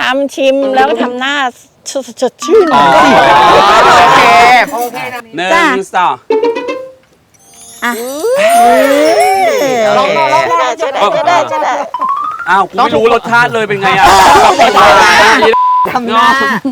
ำชิมแล้วทำหน้าสดชื่นโโอเคหนึ่งสองลองจะได้อ้าวกูไม่รู้รสชาติเลยเป็นไงอ่ะทำหน้า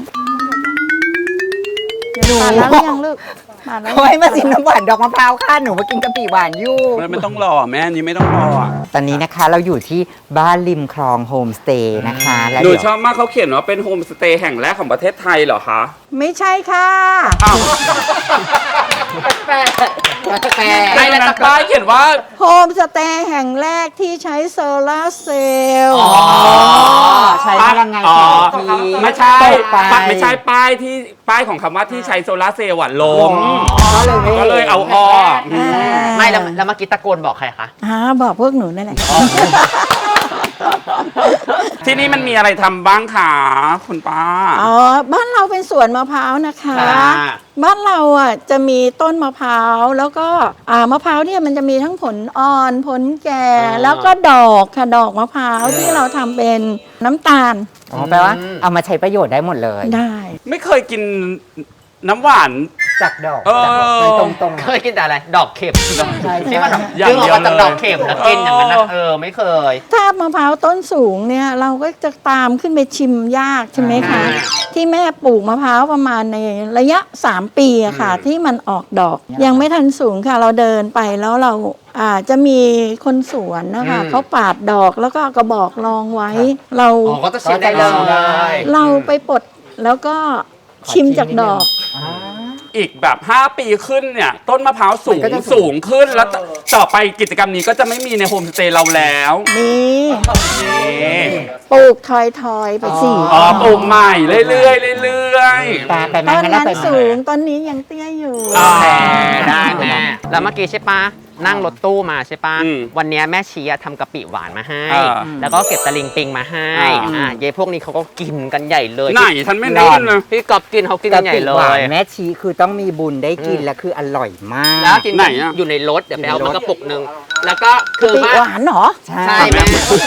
หนูแล้วยังลูกมาแล้วให้มาชิมน้ำหวานดอกมะพร้าวค่ะหนูมากินกะปิหวานอยู่ไม่ต้องรอแม่นี้ไม่ต้องรออ่ะตอนนี้นะคะเราอยู่ที่บ้านริมคลองโฮมสเตย์นะคะแล้วหนูชอบมากเขาเขียนว่าเป็นโฮมสเตย์แห่งแรกของประเทศไทยเหรอคะไม่ใช่ค่ะอ้าวแปลในป้ายเขียนว่าโฮมสเตย์แห่งแรกที่ใช้โซลาร์เซลล์ใช้พลังงานไม่ใช่ป้ายของคำว่าที่ใช้โซลาร์เซลล์ลงก็เลยเอาออกไม่แล้วเมื่อกี้ตะโกนบอกใครคะบอกพวกหนูนั่นแหละที่นี่มันมีอะไรทำบ้างคะคุณป้าบ้านเราเป็นสวนมะพร้าวนะคะบ้านเราจะมีต้นมะพร้าวแล้วก็มะพร้าวเนี่ยมันจะมีทั้งผลอ่อนผลแก่แล้วก็ดอกค่ะดอกมะพร้าวที่เราทำเป็นน้ำตาลแปลว่าเอามาใช้ประโยชน์ได้หมดเลยได้ไม่เคยกินน้ำหวานจากดอกตรงเคยกินแต่อะไรดอกเข็มใช่ที่มันดึงออกมาจากดอกเข็มแล้วกินอย่างนั้นนะไม่เคยถ้ามะพร้าวต้นสูงเนี่ยเราก็จะตามขึ้นไปชิมยากใช่ไหมคะที่แม่ปลูกมะพร้าวประมาณในระยะ3 ปีอะค่ะที่มันออกดอกยังไม่ทันสูงค่ะเราเดินไปแล้วเราจะมีคนสวนนะคะเขาปาดดอกแล้วก็กระบอกรองไว้เราก็จะชิมได้เลยเราไปปลดแล้วก็ชิมจากดอกอีกแบบ5 ปีขึ้นเนี่ยต้นมะพร้าวสูงขึ้นแล้วต่อไปกิจกรรมนี้ก็จะไม่มีในโฮมสเตย์เราแล้วนี่ปลูกทอยไปสิปลูกใหม่เรื่อยตอนนั้นสูงตอนนี้ยังเตี้ยอยู่ได้แม่แล้วเมื่อกี้ใช่ปะนั่งรถตู้มาใช่ปะวันนี้แม่ชี้ทำกะปิหวานมาให้แล้วก็เก็บตะลิงปิงมาให้เย้พวกนี้เขาก็กินกันใหญ่เลยไหนฉันไม่ได้เลยพี่กอบกินเขากินกันใหญ่เลยแม่ชี้คือต้องมีบุญได้กินและคืออร่อยมากแล้วกินไหนอยู่ในรถเดี๋ยวไปเอามากระปุกนึงแล้วก็คือหวานเหรอใช่แม่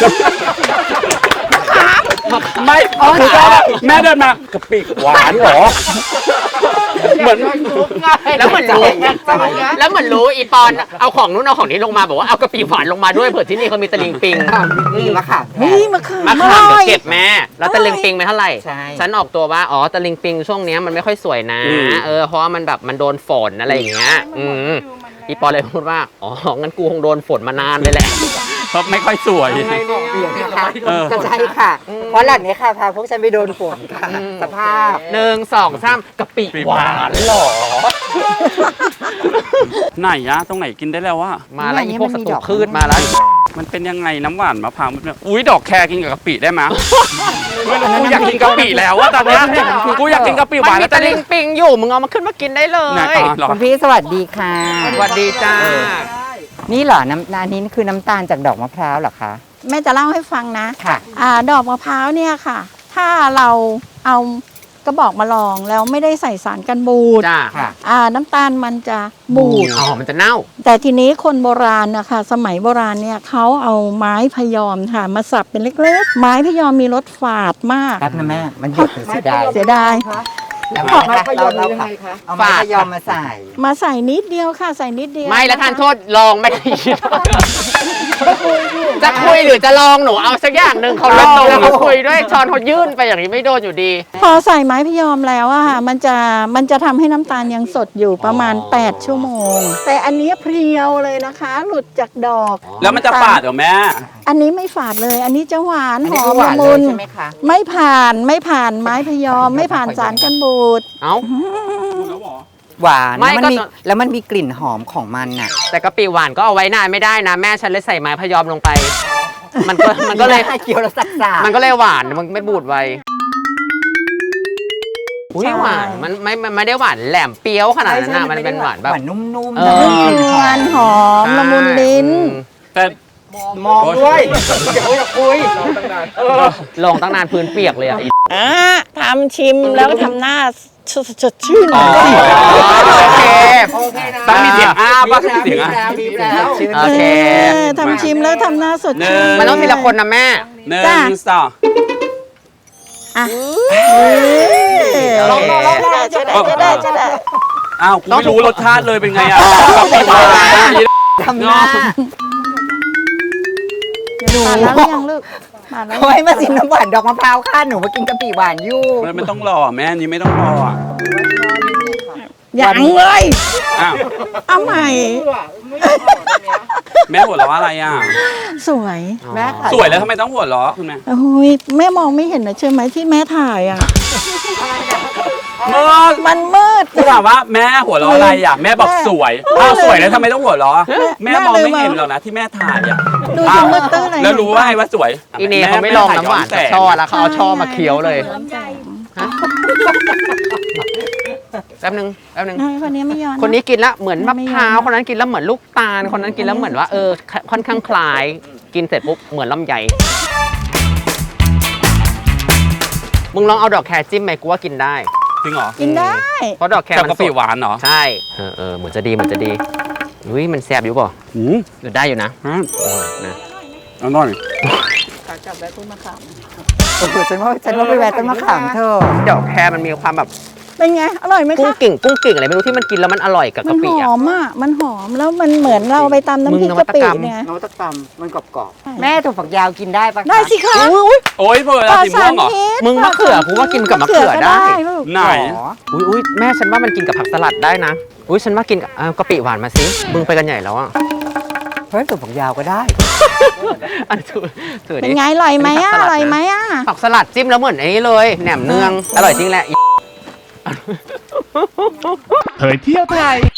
ไม่คือแม่เดินมากะปิหวานเหรอเหมือนแล้วเหมือนรู้อีปอนเอาของนู้นเอาของนี้ลงมาบอกว่าเอากะปิหวานลงมาด้วยเผื่อที่นี่เขามีตะลิงปิงมะขามมะขามเดี๋ยวเก็บแม่แล้วตะลิงปิงไปเท่าไหร่ฉันออกตัวว่าตะลิงปิงช่วงนี้มันไม่ค่อยสวยนะเพราะว่ามันแบบมันโดนฝนอะไรอย่างเงี้ยอีปอนเลยพูดว่างั้นกูคงโดนฝนมานานเลยแหละเพราะไม่ค่อยสวยก็ใช่ค่ะเพราะหลังนี้ค่ะพาพวกฉันไปโดนฝนค่ะสภาพ1 2 3กะปิหวานหรอไหนตรงไหนกินได้แล้ววะมาแล้วอีพวกศัตรูพืชมาแล้วมันเป็นยังไงน้ำหวานมะพร้าวอุ้ยดอกแคกินกับกะปิได้ไหมกูอยากกินกะปิแล้วว่าตอนนี้กูอยากกินกะปิหวานแล้วตะลิงปิงอยู่มึงเอามาขึ้นมากินได้เลยคุณพี่สวัสดีค่ะสวัสดีจ้านี่เหรออันนี้คือน้ำตาลจากดอกมะพร้าวเหรอคะแม่จะเล่าให้ฟังนะค่ะดอกมะพร้าวเนี่ยค่ะถ้าเราเอากระบอกมาลองแล้วไม่ได้ใส่สารกันบูดน้ำตาลมันจะบูดมันจะเน่าแต่ทีนี้คนโบราณนะคะสมัยโบราณเนี่ยเขาเอาไม้พยอมค่ะมาสับเป็นเล็กๆไม้พยอมมีรสฝาดมากครับนะแม่มันเสียดายแล้วไม้พยอมยังไงคะเอาไม้พยอมมาใส่นิดเดียวค่ะใส่นิดเดียวไม่แล้วทานโทษลองไม่ได้จะคุยหรือจะลองหนูเอาสักอย่างหนึ่งเขาลงแล้วเขาคุยด้วยช้อนเขายื่นไปอย่างนี้ไม่โดนอยู่ดีพอใส่ไม้พยอมแล้วมันจะทำให้น้ำตาลยังสดอยู่ประมาณ8 ชั่วโมงแต่อันนี้เพรียวเลยนะคะหลุดจากดอกแล้วมันจะฝาดเหรอแม่อันนี้ไม่ฝาดเลยอันนี้จะหวานหอมละมุนไม่ผ่านไม้พยอมไม่ผ่านสารกันบูดหวานแล้วมันมีกลิ่นหอมของมันน่ะแต่กะปิหวานก็เอาไว้นานไม่ได้นะแม่ฉันเลยใส่ไม้พยอมลงไปมันก็เลยเคี้ยวแล้วสักมันก็เลยหวานมันไม่บูดไวอุ้ยหวานมันไม่ได้หวานแหลมเปรี้ยวขนาดนั้นนะมันเป็นหวานแบบนุ่มๆหวานหอมละมุนลิ้นแต่มองด้วยอย่าคุยลองตั้งนานพื้นเปียกเลยทำชิมแล้วทำหน้าสดชื่นโอเคต้องมีเสียงบ้างเสียงโอเคทำชิมแล้วทำหน้าสดชื่นมันต้องทีละคนนะแม่ 1 2 อ่ะลองๆจะได้อ้าวกูไม่รู้รสชาติเลยเป็นไงอ่ะกะปิหวานทำหน้าผ่านแล้วหรือยังลูกผ่านแล้วเขาให้มาชิมน้ำหวานดอกมะพร้าวค่ะหนูมากินกะปิหวานอยู่ไม่ต้องรอแม่อันนี้ไม่ต้องรออ่ะยังเลยอ้าวเอาใหม่แม่หัวเราะอะไรอ่ะสวยแม่สวยแล้วทำไมต้องหัวเราะคุณแม่โอ้ยแม่มองไม่เห็นนะใช่ไหมที่แม่ถ่ายอ่ะเมื่อมันมืดกูถามว่าแม่หัวเราะอะไรอ่ะแม่บอกสวยอ้าวสวยแล้วทำไมต้องหัวเราะแม่มองไม่เห็นหรอกนะที่แม่ถ่ายอ่ะดูอ้าสิวมืดตื้ออะไรแล้วรู้ว่าไงว่าสวยอีเนเขาไม่ลองน้ำหวานจากช่อแล้วเขาเอาช่อมาเคี้ยวเลยแป๊บนึงคนนี้ไม่ย้อนคนนี้กินแล้วเหมือนมะพร้าวคนนั้นกินแล้วเหมือนลูกตาลคนนั้นกินแล้วเหมือนว่าค่อนข้างคล้ายกินเสร็จปุ๊บเหมือนลำไยมึงลองเอาดอกแครจิ้มไหมกูว่ากินได้จริงเหรอกินได้เพราะดอกแครกับมันกะสปิดหวานเหรอใช่เหมือนจะดีอุ้ยมันแซ่บอยู่ป่ะหืมหรือได้อยู่นะอ่ะนะอร่อยจับแบต้นมะขามโอ้โหฉันว่าไปแวะต้นมะขามเธอดอกแครมันมีความแบบเป็นไงอร่อยไหมกุ้งคะกิ่งอะไรไม่รู้ที่มันกินแล้วมันอร่อยกับมักะนปิหอ่ะอมอ่ะมันหอมแล้วมันเหมือนเราไปตำน้ำพริกกะปิเนี่ยนวัตกรรมมันกรอบแม่ถั่วฝักยาวกินได้ปะได้สิคะโอ้ยเผื่อปลอดสีม่สาวงรเหรอพิษมึงมะเขือกูว่ากินกับมะเขือได้ลูกไหนอุ้ยแม่ฉันว่ามันกินกับผักสลัดได้นะอุ้ยฉันว่ากินกับกะปิหวานมาสิมึงไปกันใหญ่แล้วอ่ะเฮ้ยถั่วฝักยาวก็ได้อันถือเป็ดินไงอร่อยไหมอ่ะอร่อยไหมอ่ะผักสลัดจิ้มแล้วเหมือนไอ้นี้เลยแหนมเนืองอร่อยจริงแหละเผยเที่ยวไทย